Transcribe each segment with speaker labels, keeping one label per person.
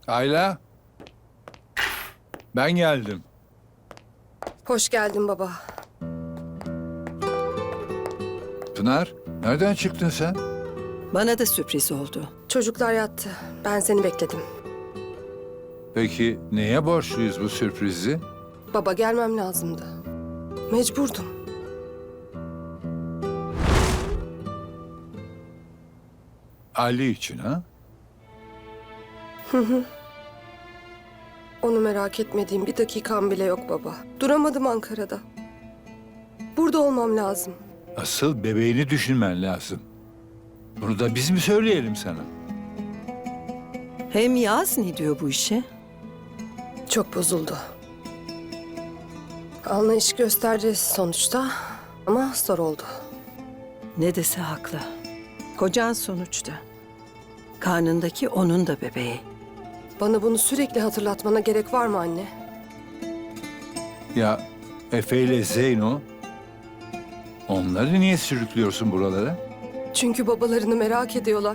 Speaker 1: Ayla, ben geldim.
Speaker 2: Hoş geldin baba.
Speaker 1: Pınar, nereden çıktın sen?
Speaker 3: Bana da sürpriz oldu.
Speaker 2: Çocuklar yattı. Ben seni bekledim.
Speaker 1: Peki neye borçluyuz bu sürprizi?
Speaker 2: Baba gelmem lazımdı. Mecburdum.
Speaker 1: Ali için ha?
Speaker 2: Onu merak etmediğim bir dakikam bile yok baba. Duramadım Ankara'da. Burada olmam lazım.
Speaker 1: Asıl bebeğini düşünmen lazım. Bunu da biz mi söyleyelim sana?
Speaker 3: Hem Yaz ne diyor bu işe?
Speaker 2: Çok bozuldu. Anlayış gösterdi sonuçta ama zor oldu.
Speaker 3: Ne dese haklı. Kocan sonuçta. Karnındaki onun da bebeği.
Speaker 2: Bana bunu sürekli hatırlatmana gerek var mı anne?
Speaker 1: Ya Efe ile Zeyno, onları niye sürüklüyorsun buralara?
Speaker 2: Çünkü babalarını merak ediyorlar.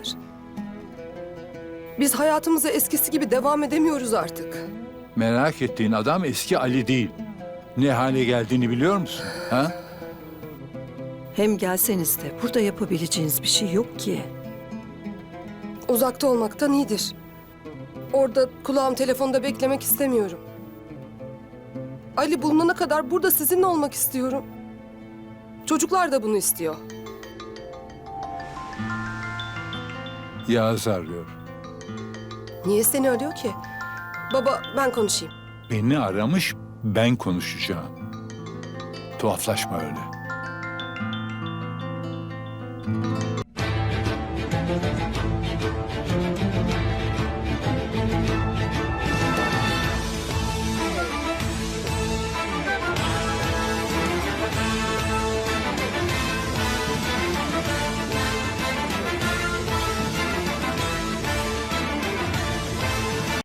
Speaker 2: Biz hayatımıza eskisi gibi devam edemiyoruz artık.
Speaker 1: Merak ettiğin adam eski Ali değil. Ne hale geldiğini biliyor musun? Ha?
Speaker 3: Hem gelseniz de burada yapabileceğiniz bir şey yok ki.
Speaker 2: Uzakta olmaktan iyidir. Orada kulağım telefonda beklemek istemiyorum. Ali bulunana kadar burada sizinle olmak istiyorum. Çocuklar da bunu istiyor.
Speaker 1: Yağız arıyor.
Speaker 2: Niye seni arıyor ki? Baba ben konuşayım.
Speaker 1: Beni aramış, ben konuşacağım. Tuhaflaşma öyle.